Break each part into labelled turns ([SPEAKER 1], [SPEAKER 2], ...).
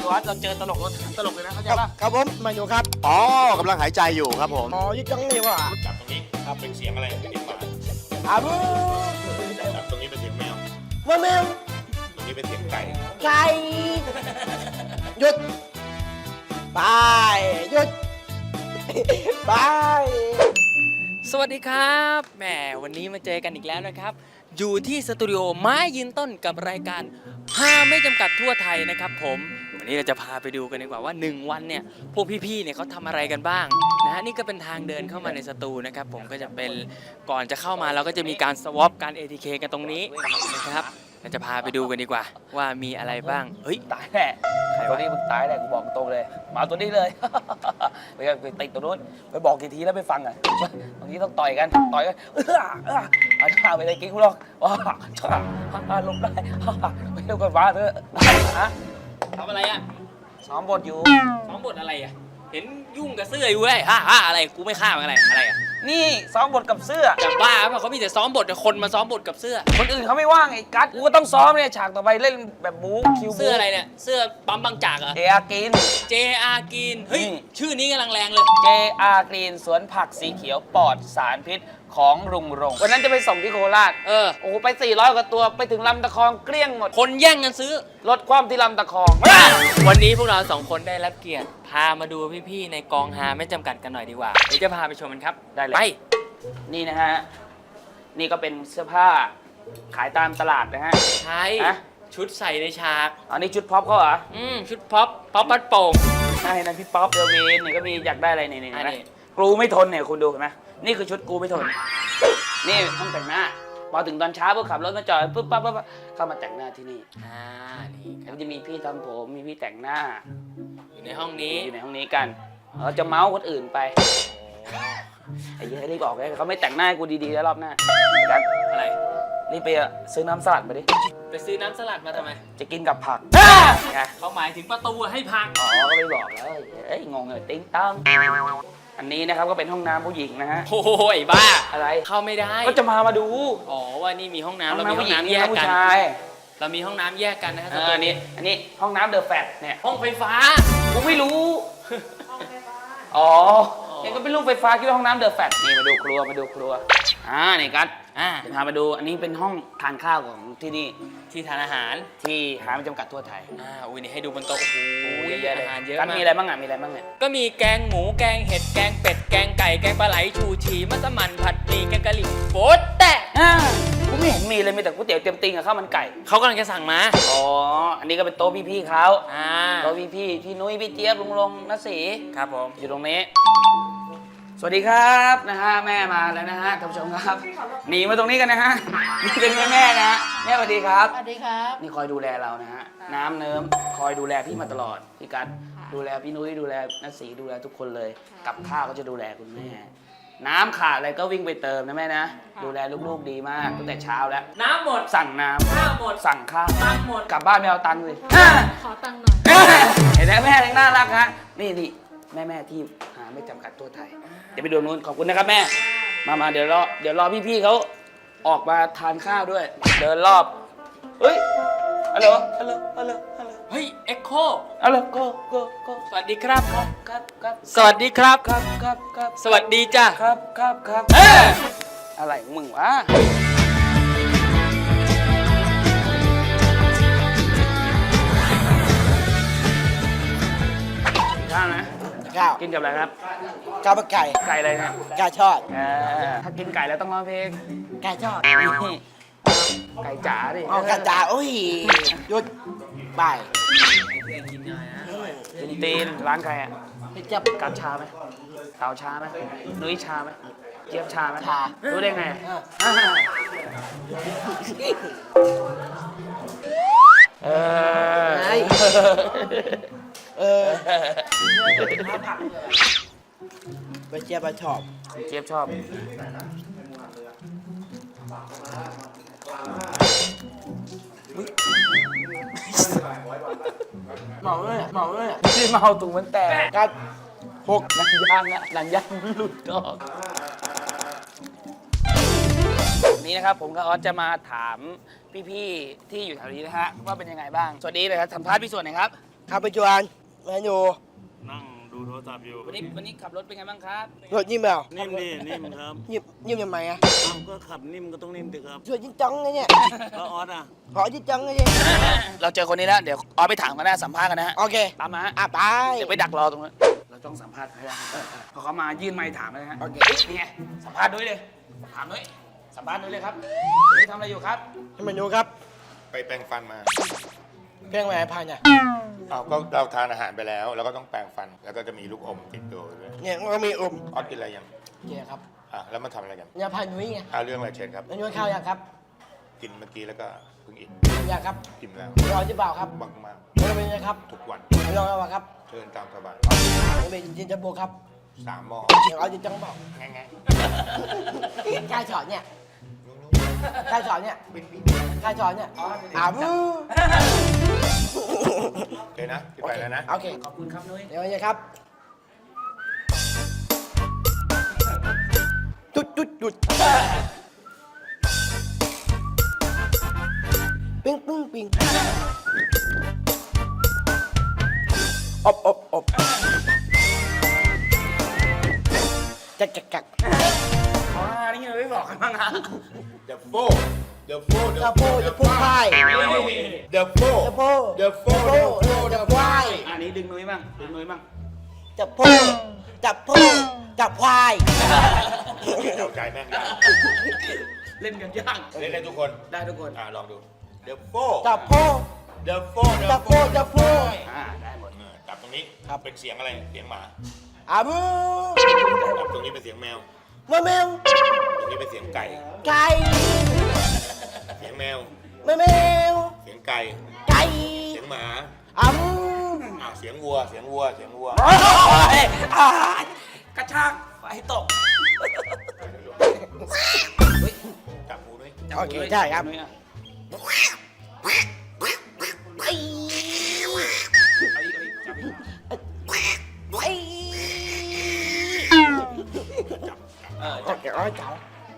[SPEAKER 1] ว่าเราเจอตลกเลยนะเข้าใจป่ะ
[SPEAKER 2] ครับผมมาอยู่ครับ
[SPEAKER 3] อ๋อกำลังหายใจอยู่ครับผม
[SPEAKER 2] อ๋อยึดจังนี่ว่ะ
[SPEAKER 4] จับตรงนี้ครับเป็นเสียงอะไรเป็นหมา
[SPEAKER 2] อาบู
[SPEAKER 4] จับตรงนี้เป็นเสียงแมว
[SPEAKER 2] มาแมว
[SPEAKER 4] ตรงนี้เป็นเสียงไก่
[SPEAKER 2] ไก่หยุดไปหยุดไป
[SPEAKER 5] สวัสดีครับแหมวันนี้มาเจอกันอีกแล้วนะครับ อยู่ที่สตูดิโอไม้ยืนต้นกับรายการฮาไม่จำกัดทั่วไทยนะครับผมวันนี้เราจะพาไปดูกันดีกว่าว่า1วันเนี่ยพวกพี่ๆเนี่ยเขาทำอะไรกันบ้างนะฮะนี่ก็เป็นทางเดินเข้ามาในสตูนะครับผมก็จะเป็นก่อนจะเข้ามาเราก็จะมีการสวอปการ ATK กันตรงนี้นะครับเราจะพาไปดูกันดีกว่าว่ามีอะไรบ้างเฮ้ย
[SPEAKER 1] ตายแน่ตัวนี้มึงตายแน่กูบอกตรงเลยมาตัวนี้เลย ไปติดตัวนู้นไปบอกกี่ทีแล้วไม่ฟังอ่ะบางทีต้องต่อยกันเอาท่าไปเลยกิ๊กกูหรอกว้าลงได้ไม่เร็วกันว้าเถอะฮะ
[SPEAKER 5] ทำอะไรอ่ะ
[SPEAKER 1] ซ้อมบทอยู่
[SPEAKER 5] ซ้อมบทอะไรอ่ะเห็นยุ่งกับเสื้ออยู่เลยฮ่าอะไรกูไม่ฆ่ามันอะไรอ่ะ
[SPEAKER 1] นี่ซ้อมบทกับเสื้อ
[SPEAKER 5] จะบ้าป่ะเขามีแต่ซ้อมบทแต่คนมาซ้อมบทกับเสื้อ
[SPEAKER 1] คนอื่นเขาไม่ว่างไอ้กัสกูก็ต้องซ้อมเนี่ยฉากต่อไปเล่นแบบบู๊คิวบู๊
[SPEAKER 5] เสื้ออะไรเนี่ยเสื้อปั๊มบางจากเหรอ
[SPEAKER 1] JR Green
[SPEAKER 5] JR Green เฮ้ย
[SPEAKER 1] นี่
[SPEAKER 5] ชื่อนี้กำลังแรงเลย
[SPEAKER 1] JR Green สวนผักสีเขียวปลอดสารพิษของรุงรงค์วันนั้นจะไปส่งที่โคราช
[SPEAKER 5] เออ
[SPEAKER 1] โอ้โหไป400กว่าตัวไปถึงลำตะคองเกลี้ยงหมด
[SPEAKER 5] คนแย่งกันซื้อ
[SPEAKER 1] ลดความที่ลำตะคอง
[SPEAKER 5] วันนี้พวกเราสองคนได้รับเกียรติพามาดูพี่ๆในกองฮาไม่จำกัดกันหน่อยดีกว่าเดี๋ยวจะพาไปชมกันครับ
[SPEAKER 1] ได้เลย
[SPEAKER 5] ไป
[SPEAKER 1] นี่นะฮะ นี่ก็เป็นเสื้อผ้าขายตามตลาดนะฮะ
[SPEAKER 5] ใช่
[SPEAKER 1] ฮะ
[SPEAKER 5] ชุดใส่ในฉาก
[SPEAKER 1] อันนี้ชุดพ็อปเขาเหรอ
[SPEAKER 5] ชุดป๊อปปัดโป่ง
[SPEAKER 1] ใช่นั่นพี่ป๊อปเดอะวีนนี่ก็มีอยากได้อะไรนี่
[SPEAKER 5] อัน
[SPEAKER 1] นะ
[SPEAKER 5] นี้
[SPEAKER 1] กรูไม่ทนเนี่ยคุณดูเห็นไหมนี่คือชุดกรูไม่ทน นี่ห้องแต่งหน้าพอถึงตอนเช้าปุ๊บขับรถมาจอดปุ๊บปั๊บเข้ามาแต่งหน้าที่นี่
[SPEAKER 5] นี่ค
[SPEAKER 1] แล้
[SPEAKER 5] รั
[SPEAKER 1] ว
[SPEAKER 5] บ
[SPEAKER 1] จะมีพี่ทำผมมีพี่แต่งหน้า
[SPEAKER 5] อยู่ในห้องนี้
[SPEAKER 1] อยู่ในห้องนี้กันเราจะเมาส์คนอื่นไปไอ้เหี้ยรีบออกเลยเขาไม่แต่งหน้าให้กูดีๆแล้วรอบหน้ากัน
[SPEAKER 5] อะไร
[SPEAKER 1] รีบไปซื้อน้ำสลัดมาดิ
[SPEAKER 5] ไปซื้อน้ำสลัดมาทำไม
[SPEAKER 1] จะกินกับผักไง
[SPEAKER 5] เขาหมายถึงประตูให้พัง
[SPEAKER 1] อ๋อก็ไม่บอกแล้วเอ้ยงงเลยติ๊งตั้งอันนี้นะครับก็เป็นห้องน้ำผู้หญิงนะฮะ
[SPEAKER 5] โอ้ยบ้า
[SPEAKER 1] อะไร
[SPEAKER 5] เข้าไม่ได้
[SPEAKER 1] ก็จะมาดู
[SPEAKER 5] อ๋อว่านี่มีห้องน้ำ
[SPEAKER 1] ห้อง
[SPEAKER 5] เรามี
[SPEAKER 1] น้ำ
[SPEAKER 5] ห้
[SPEAKER 1] ผู้
[SPEAKER 5] อง
[SPEAKER 1] หญิง
[SPEAKER 5] น้ำ
[SPEAKER 1] นี่
[SPEAKER 5] แยก
[SPEAKER 1] ผู้
[SPEAKER 5] กัน
[SPEAKER 1] ชาย
[SPEAKER 5] เรามีห้องน้ำแยกกันนะฮะ
[SPEAKER 1] อันนี้ห้องน้ำเดอะแฟตเนี่ย
[SPEAKER 5] ห้องไฟฟ้า
[SPEAKER 1] กูไม่รู้อ๋อเนี่ยก็เป็นรูปไฟฟ้าคิดว่าห้องน้ำเดอะแฟตนี่มาดูครัวนี่กัสเดี๋ยวพามาดูอันนี้เป็นห้องทานข้าวของที่นี่
[SPEAKER 5] ที่ทานอาหาร
[SPEAKER 1] ที่หาไม่จำกัดทั่วไทย
[SPEAKER 5] อุ้ยนี่ให้ดูบนโต๊ะโอ้โห
[SPEAKER 1] เยอะแยะเลย
[SPEAKER 5] อาหารเยอะ
[SPEAKER 1] กัส
[SPEAKER 5] มาก
[SPEAKER 1] มีอะไรบ้างมีอะไรบ้างเนี่ย
[SPEAKER 5] ก็มีแกงหมูแกงเห็ดแกงเป็ดแกงไก่แกงปลาไหลชูชีมัสมั่นผัดหมี่แกงกะหรี่โป๊ะแตะ
[SPEAKER 1] กูไม่เห็นมีเลยมีแต่ก๋วยเตี๋ยวเต็มติงกับข้าวมันไก่
[SPEAKER 5] เขากำลังจะสั่งมา
[SPEAKER 1] อ๋ออันนี้ก็เป็นโต๊ะพี่ๆเขา
[SPEAKER 5] อ่า
[SPEAKER 1] โต๊ะพี่นุ้ยพี่เจี๊ยบลุงลงนัศรี
[SPEAKER 5] ครับผม
[SPEAKER 1] อยู่ตรงนี้ สวัสดีครับนะฮะแม่มาแล้วนะฮะท่านผู้ชมครับหนีมาตรงนี้กันนะฮะนี่เป็นแม่นะฮะแม่สวัสดีครับ
[SPEAKER 6] สวัสดีครับ
[SPEAKER 1] นี่คอยดูแลเรานะฮะน้ำเนิ้มคอยดูแลพี่มาตลอดพี่กัดดูแลพี่นุ้ยดูแลนัศรีดูแลทุกคนเลยกับข้าวก็จะดูแลคุณแม่ น้ำขาดอะไรก็วิ่งไปเติมนะแม่นะดูแลลูกๆดีมากตั้งแต่เช้าแล้ว
[SPEAKER 5] น้ำหมด
[SPEAKER 1] สั่งน้ำ
[SPEAKER 5] ข้าวหมด
[SPEAKER 1] สั่งข้าว
[SPEAKER 5] ตังค์หมด
[SPEAKER 1] กลับบ้านไม่เอาตังค์เลย
[SPEAKER 6] ขอตังค์หน่อย
[SPEAKER 1] เห็นไหมแม่ยังน่ารักฮะนี่แม่ที่หาไม่จำกัดทั่วไทยเดี๋ยวไปดูนู้นขอบคุณนะครับแม่มาเดี๋ยวรอพี่ๆเขาออกมาทานข้าวด้วย เดินรอบเฮ้ยฮัลโหล
[SPEAKER 5] เฮ้ยเอ็กโค
[SPEAKER 1] ฮัลโหลโก
[SPEAKER 5] สวัสดีครับ
[SPEAKER 1] ครับ
[SPEAKER 5] สวัสดีครับ
[SPEAKER 1] ครับ
[SPEAKER 5] สวัสดีจ้ะ
[SPEAKER 1] ครับอะไรของมึงวะข้าวนะ
[SPEAKER 2] ข้าว
[SPEAKER 1] กินกับอะไรครับ
[SPEAKER 2] ข้าวมันไก่
[SPEAKER 1] ไก่อะไรนะ
[SPEAKER 2] ไก่ทอด
[SPEAKER 1] ถ้ากินไก่แล้วต้องร้องเพลง
[SPEAKER 2] ไก่ทอด
[SPEAKER 1] นี่ไก่จ๋าดิ
[SPEAKER 2] เอากระจาโอ้ยหยุดไป
[SPEAKER 1] ตีนร้านใครอ่ะ
[SPEAKER 2] ให้จับ
[SPEAKER 1] กัดชาไหมเต่าชาไหมนุ้ยชาไหมเจี๊ยบชาไหม
[SPEAKER 2] ชา
[SPEAKER 1] รู้ได้ไง เออ
[SPEAKER 2] ไงเออไปเจี๊ยบไปชอบ
[SPEAKER 1] เจี๊ยบชอบ
[SPEAKER 2] เมาเลยเมาเลย
[SPEAKER 1] ที่เมาตุงมันแตก
[SPEAKER 2] กัดหก
[SPEAKER 1] หนังยางอะหนังยางมันหลุดออกนี่นะครับผมกับออสจะมาถามพี่ๆที่อยู่แถวนี้นะฮะว่าเป็นยังไงบ้าง สวัสดีเลยครับสัมภาษณ์พี่ส่วนหน่อยครับ
[SPEAKER 2] ขับไปจวนเมนู
[SPEAKER 6] นั่งดูโทรศัพท์อยู่
[SPEAKER 1] วันนี้ขับรถเป็นไงบ้างครับ
[SPEAKER 2] รถนิ่มเปล่า
[SPEAKER 6] นิ่มดินิ่มครับ
[SPEAKER 2] นิ่มทำไมอ่ะ
[SPEAKER 6] อ้าวก็ขับนิ่มก็ต้องนิ่มสิครับ
[SPEAKER 2] ช่วยจิ้งจังนะเนี่ย
[SPEAKER 6] แล้วออสอ่ะ
[SPEAKER 2] ขอจิ้งจังนะเนี่ย
[SPEAKER 1] เราเจอคนนี้แล้วเดี๋ยวเอาไปถามกันนะสัมภาษณ์กันนะฮะ
[SPEAKER 2] โอเค
[SPEAKER 1] ตามมาฮะ
[SPEAKER 2] ไป
[SPEAKER 1] เดี๋ยวไปดักรอตรงนั้นเราต้องสัมภาษณ์ให้ได้พอเขามายื่นไมค์ถามเลยนะฮะ
[SPEAKER 2] โอเค
[SPEAKER 1] นี่ไงสัมภาษณ์ด้วยเลยถามด้วยสัมภาษณ์ด้วยเลยครับนี่ทำอะไรอยู่ครับ
[SPEAKER 2] เมนูครับ
[SPEAKER 4] ไปแปรงฟันมา
[SPEAKER 2] เพลงแหวนพันอ่ะ
[SPEAKER 4] อ้าวก็เราทานอาหารไปแล้วแล้วก็ต้องแปรงฟัน แล้วก็จะมีลูกอมติดตัวด้วย
[SPEAKER 2] เนี่ยมันก็มีอม
[SPEAKER 4] ออสกินอะไรยัง
[SPEAKER 2] เจ๊ครับ
[SPEAKER 4] แล้วมาทำอะไรกัน
[SPEAKER 2] ยาพันนุ้ยไง
[SPEAKER 4] เรื่องอะไรเชิญครับ
[SPEAKER 2] เมนูข้าวยังครับ
[SPEAKER 4] กินเมื่อกี้แล้วก็เพิ่งอิ่ม
[SPEAKER 2] อยากครับ
[SPEAKER 4] กินแล้ว
[SPEAKER 2] รอหรือเปล่าครับ
[SPEAKER 4] บังมาก
[SPEAKER 2] เมนูเป็นไงครับ
[SPEAKER 4] ทุกวัน
[SPEAKER 2] ลองเอาครับ
[SPEAKER 4] เชิญตามสบาย
[SPEAKER 2] เป็นจินจัมโบ้ครับ
[SPEAKER 4] 3 หม้อ
[SPEAKER 2] เดี๋ยวเอาจินจังเปล่า
[SPEAKER 4] ง่าย
[SPEAKER 2] กายสอนเนี่ย
[SPEAKER 4] ๆ
[SPEAKER 2] กายสอนเนี่ยกายสอนเนี่ยบู
[SPEAKER 4] โอเคนะพี่ไปแล้วนะ
[SPEAKER 2] โอเค
[SPEAKER 1] ขอบคุณครับนุ้ย
[SPEAKER 2] เดี๋ยวนี้ครับจุดปิ้งอบจัก
[SPEAKER 1] นี่เราไม่บอกกันบ้างนะ
[SPEAKER 4] The four The four
[SPEAKER 2] จะพูดพาย
[SPEAKER 4] The four
[SPEAKER 2] จะพูด
[SPEAKER 4] The four
[SPEAKER 2] จะพาย
[SPEAKER 1] อันนี้ดึงนุ้ยบ้างดึงนุ้ยบ้าง
[SPEAKER 2] จะพูดจะพาย
[SPEAKER 4] เข้าใจแม่งได้
[SPEAKER 1] เล่นกันยาก
[SPEAKER 4] เล่นได้ทุกคน
[SPEAKER 1] ได้ทุกคน
[SPEAKER 4] ลองดู The four
[SPEAKER 2] จะพูด
[SPEAKER 4] The four
[SPEAKER 2] จะพูด
[SPEAKER 1] ได้หมด
[SPEAKER 4] จับตรงนี้
[SPEAKER 2] ครับ
[SPEAKER 4] เป็นเสียงอะไรเสียงหมา
[SPEAKER 2] บู
[SPEAKER 4] จับตรงนี้เป็นเสียงแมว
[SPEAKER 2] แมว
[SPEAKER 4] ตรงนี้เป็นเสียงไก่
[SPEAKER 2] ไก่
[SPEAKER 4] เสียงแมว
[SPEAKER 2] แมว
[SPEAKER 4] เสียงไก่
[SPEAKER 2] ไก่
[SPEAKER 4] เสียงหมา
[SPEAKER 2] บู
[SPEAKER 4] เสียงวัวเสียงวัวเสียงวัว
[SPEAKER 1] กระชากไฟตก
[SPEAKER 4] จับหูด้วย
[SPEAKER 2] โอเคใช่ครับ
[SPEAKER 1] นุ้ยอ่ะ
[SPEAKER 2] ไอ้
[SPEAKER 1] เอาอีกจับอีก
[SPEAKER 2] จับแกอ้อยเจ้า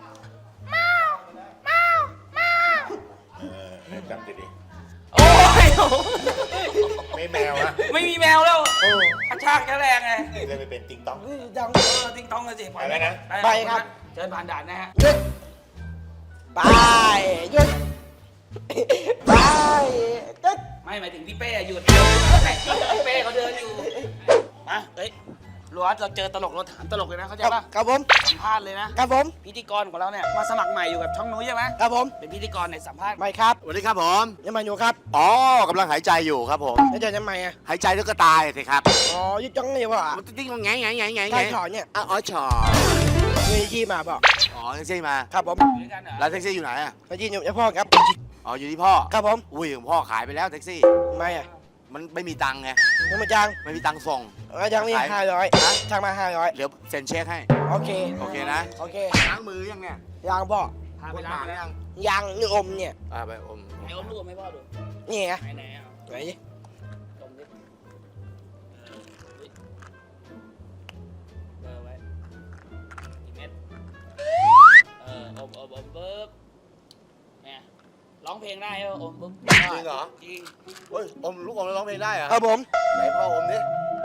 [SPEAKER 4] จำดี
[SPEAKER 1] โอ้ย
[SPEAKER 4] ๆไม่แมวนะ
[SPEAKER 1] ไม่มีแมวแล้วกระชากแค่แรงไง
[SPEAKER 4] เล่นไม่เป็นติ๊งต้อง
[SPEAKER 2] จัง
[SPEAKER 1] ติ้งต้องเลยสิ
[SPEAKER 4] ไปแล้วนะ
[SPEAKER 2] ไปครับ
[SPEAKER 1] เชิญผ่านด่านนะฮะ
[SPEAKER 2] หยุดไปหยุดไปหยุด
[SPEAKER 1] ไม่หมายถึงพี่เป้หยุดพี่เป้เขาเดินอยู่มาเฮ้ยรัวเราเจอตลกเราถามตลกเลยนะเข้าใจป่ะ
[SPEAKER 2] ครับผม
[SPEAKER 1] สัมภาษณ์เลยนะครับ
[SPEAKER 2] ผม
[SPEAKER 1] พิธีกรของเราเนี่ยมาสมัครใหม่อยู่กับช่องนุ้ยใช่ไหม
[SPEAKER 2] ครับผม
[SPEAKER 1] เป็นพิธีกรในสัมภาษณ์
[SPEAKER 2] ไม่ครับ
[SPEAKER 3] สวัสดีครับผม
[SPEAKER 2] ยังมาอยู่ครับ
[SPEAKER 3] อ๋อกำลังหายใจอยู่ครับผม
[SPEAKER 2] แล้วจะทำไมอ่ะ
[SPEAKER 3] หายใจแล้วก็ตายสิครับ
[SPEAKER 2] อ๋อยึดจังเลยวะ
[SPEAKER 3] มันติ๊งมันไง
[SPEAKER 2] ใช่ถอนเนี่ย
[SPEAKER 3] อ๋อชอ
[SPEAKER 2] มีที่มาบอก
[SPEAKER 3] อ๋อแท็กซี่มา
[SPEAKER 2] ครับผม
[SPEAKER 1] อยู่ด้วยกันเหรอ
[SPEAKER 3] แล้วแท็กซี่อยู่ไหนอ่ะ
[SPEAKER 2] มาที่หนุ่มเจ้าพ่อครับ
[SPEAKER 3] อ๋ออยู่ที่พ่อ
[SPEAKER 2] ครับผม
[SPEAKER 3] อุ้ยของพ่อขายไปแล้วแท็กซี่
[SPEAKER 2] ไม่อ่ะ
[SPEAKER 3] มันไม่มีตังค์ไง
[SPEAKER 2] ยังมาจัง
[SPEAKER 3] ไม่มีตังค์ส่ง
[SPEAKER 2] จังนี่500ทางมา500
[SPEAKER 3] เดี๋ยวเซ็นเช็คให้
[SPEAKER 2] โอเค
[SPEAKER 3] โอเคนะ
[SPEAKER 2] โอเค
[SPEAKER 3] ล้างมือยังเนี่ย
[SPEAKER 2] ยางบอก
[SPEAKER 1] พาไปร้านแล้ว
[SPEAKER 2] ยางนี่อมเนี่ย
[SPEAKER 3] ไปอม
[SPEAKER 1] ไหนอมลูกไม่พ่อดู
[SPEAKER 2] นี่ไง
[SPEAKER 1] ไหนอ่ะ
[SPEAKER 2] ไหนดิ
[SPEAKER 1] ดมดิเบอร์ไว้กี่เม็ดอมปึ๊บเนี่ยร้องเพลงได้เหรออมปึ๊บ
[SPEAKER 3] จริงเหรอ
[SPEAKER 1] จริง
[SPEAKER 3] เฮ้ยอมลูกอมแล้วร้องเพลงได้เหรอ
[SPEAKER 2] ครับผม
[SPEAKER 3] ไหนพ่ออมดิ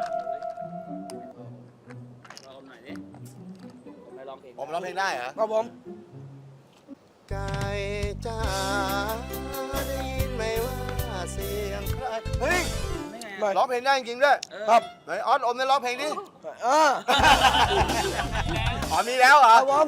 [SPEAKER 1] ลองอมหน่อยดิผมไม่ร้องเพลง
[SPEAKER 3] อมร้องเพลงได้เหรอ
[SPEAKER 2] ครับผม
[SPEAKER 3] ไก่จ้าได้ยินไหมว่าเสียงใครเฮ้ย
[SPEAKER 1] ไม่ไง
[SPEAKER 2] ไม่
[SPEAKER 3] ร้องเพลงได้จริงๆด้วย
[SPEAKER 2] ครับ
[SPEAKER 3] ไหนออสอมได้ร้องเพลงดิ
[SPEAKER 2] เออ
[SPEAKER 3] อ๋อมีแล้วเหรอ
[SPEAKER 2] ครับผม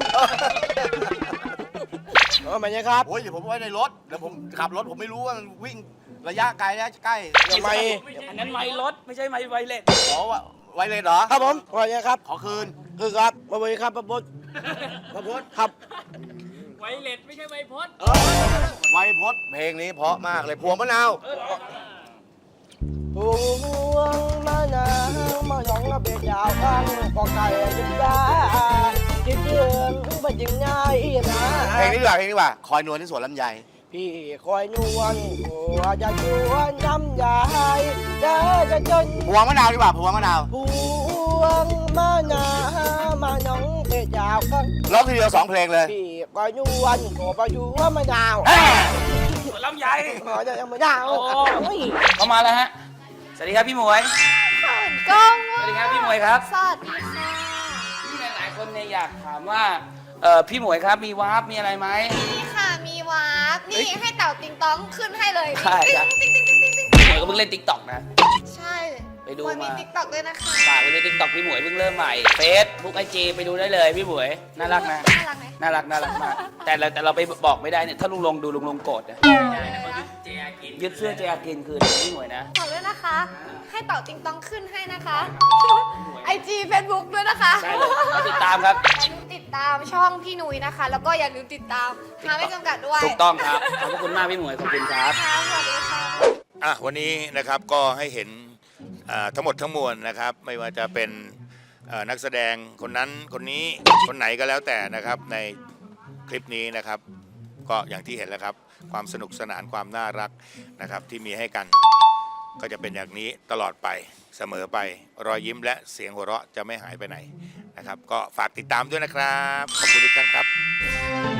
[SPEAKER 2] มันยังครับ
[SPEAKER 3] โอ้ยเดี๋ยวผมไว้ในรถ เดี๋ยวผมขับรถผมไม่รู้ว่ามันวิ่งระยะไกลนะใกล้
[SPEAKER 2] ทำไม
[SPEAKER 1] อันนั้นไมค์รถไม่ใช่ไมค์ไวเลส
[SPEAKER 3] ขอว่าไวเลยเหรอ
[SPEAKER 2] ครับผมวันยังครับ
[SPEAKER 3] ขอคืน
[SPEAKER 2] คือครับมาบริครับประพุทธ
[SPEAKER 3] พระพุทธ
[SPEAKER 2] ครับ
[SPEAKER 5] ไวเลสไม่ใช่ไวพด
[SPEAKER 3] ไวพจน์เพลงนี้เพราะมากเลยพวงมะนาว
[SPEAKER 2] พวงมะนาวมาหยองระเบียดยาวข้างกอไก่ยิงยาจิตเยือนมันยิงง่ายนะ
[SPEAKER 3] เพลงนี้ดีกว่าเพลงนี้ดีกว่าคอยนวลที่สวนลำไย
[SPEAKER 2] พี่คอยนวลหัวจะชวนทำยายจะจน
[SPEAKER 3] พวงมะนาวดีกว่าพวงมะนาว
[SPEAKER 2] พวงมะนาวมาหยองเบียดยาวข้าง
[SPEAKER 3] ร้องทีเดียว2เพลงเลย
[SPEAKER 2] พี่คอยนวลหัวประยูมะนาว
[SPEAKER 1] สวนลำไย
[SPEAKER 2] ขอจะยังมะนาว
[SPEAKER 1] เข้ามาแล้วฮะสวัสดีครับพี่หมวย
[SPEAKER 7] เขินกล้อง
[SPEAKER 1] สวัสดีครับพี่หมวยครับ
[SPEAKER 7] สวัสดีค่ะ
[SPEAKER 1] ที่หลายๆคนเนี่ยอยากถามว่าพี่หมวยครับมีวาร์ปมีอะไรไหม
[SPEAKER 7] นี่ค่ะมีวาร์ปนี่ให้เต่าติงต้องขึ้นให้เลย
[SPEAKER 1] ใช่
[SPEAKER 7] ติ๊ง
[SPEAKER 1] ครับ
[SPEAKER 7] ติ๊งติ๊งติ๊งติ๊งติ๊ง
[SPEAKER 1] พี่หมวยก็เพิ่งเล่นติ๊กต็อกนะ
[SPEAKER 7] ใช่
[SPEAKER 1] ไปดู
[SPEAKER 7] วันมี
[SPEAKER 1] มา
[SPEAKER 7] ติ๊กต็อกด้วยนะคะ
[SPEAKER 1] ฝากไปดูติ๊กต็อกพี่หมวยเพิ่งเริ่มใหม่เฟซบุ๊กไอจีไปดูได้เลยพี่หมวยน่ารักนะ
[SPEAKER 7] น่ารักไหม
[SPEAKER 1] น่ารักมากแต่เราไปบอกไม่ได้เนี่ยถ้าลุงลงดูลุงลงโกรธนะ
[SPEAKER 5] เจอากิน
[SPEAKER 1] ยึดเสื้อเจอากินคืนพี่หมวยนะ
[SPEAKER 7] ขอบด้วยนะคะ ให้เต่าติงต้องขึ้นให้นะคะไอจีเฟซบุ๊กด้วยนะคะ
[SPEAKER 1] ได้เลยมาติดตามครับ
[SPEAKER 7] อย่าลืมติดตามช่องพี่นุ้ยนะคะ แล้วก็อย่าลืมติดตามหาไม่จำกัดด้วย
[SPEAKER 1] ถูกต้องครับขอบพระคุณมากพี่หมวยขอบคุณครับ
[SPEAKER 7] ค่ะสวัสดีค่ะ
[SPEAKER 4] วันนี้นะครับก็ให้เห็นทั้งหมดทั้งมวลนะครับ ไม่ว่าจะเป็นนักแสดงคนนั้นคนนี้คนไหนก็แล้วแต่นะครับในคลิปนี้นะครับ ก็อย่างที่เห็นแล้วครับ ความสนุกสนานความน่ารักนะครับที่มีให้กัน ก็จะเป็นอย่างนี้ตลอดไปเสมอไปรอยยิ้มและเสียงหัวเราะจะไม่หายไปไหนนะครับ ก็ฝากติดตามด้วยนะครับ ขอบคุณทุกท่านครับ